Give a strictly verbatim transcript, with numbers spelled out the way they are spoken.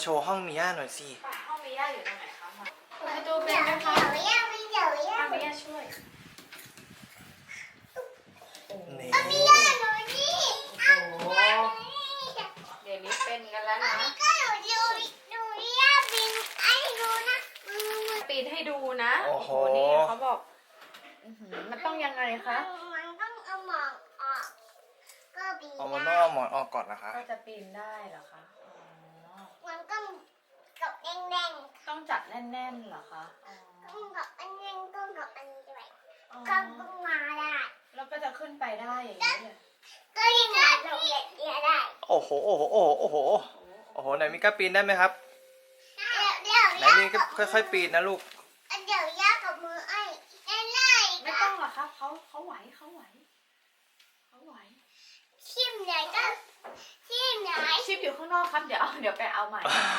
โชว์ห้องมิย่าหน่อยสิห้องมิย่าอยู่ตรงไหนคะมาประตูเป็นไหมคะมิย่ามิย่ามิย่ามิย่าช่วยนี่มิย่าหนูนี่โอ้โหเดี๋ยวนี้เป็นกันแล้วนะก็หนูดูดูมิย่าปีนให้ดูนะปีนให้ดูนะโอ้โหนี่เขาบอกมันต้องยังไงคะมันต้องเอาหมอนออกก็ปีนเอามันต้องเอาหมอนออกก่อนนะคะก็จะปีนได้เหรอคะมันต้องกับแน่นๆต้องจัดแน่นๆเหรอคะต้องกับอันแน่นต้องกับอันนี้ด้วยก็ต้องมาได้แล้วก็จะขึ้นไปได้อย่างนี้เลยก็ยังไงเราเรียนได้โอ้โหโอ้โหโอ้โหโอ้โหโอ้โหไหนมิก้าปีนได้ไหมครับไหนมีก็ค่อยๆปีนนะลูกเดี๋ยวยากกับมือไอ้ไล่ไม่ต้องหรอกครับเขาเขาไหวเขาไหวเขาไหวชิมไหนก็ชิมไหนชิมอยู่ข้างนอกครับเดี๋ยวเดี๋ยวไปเอาใหม่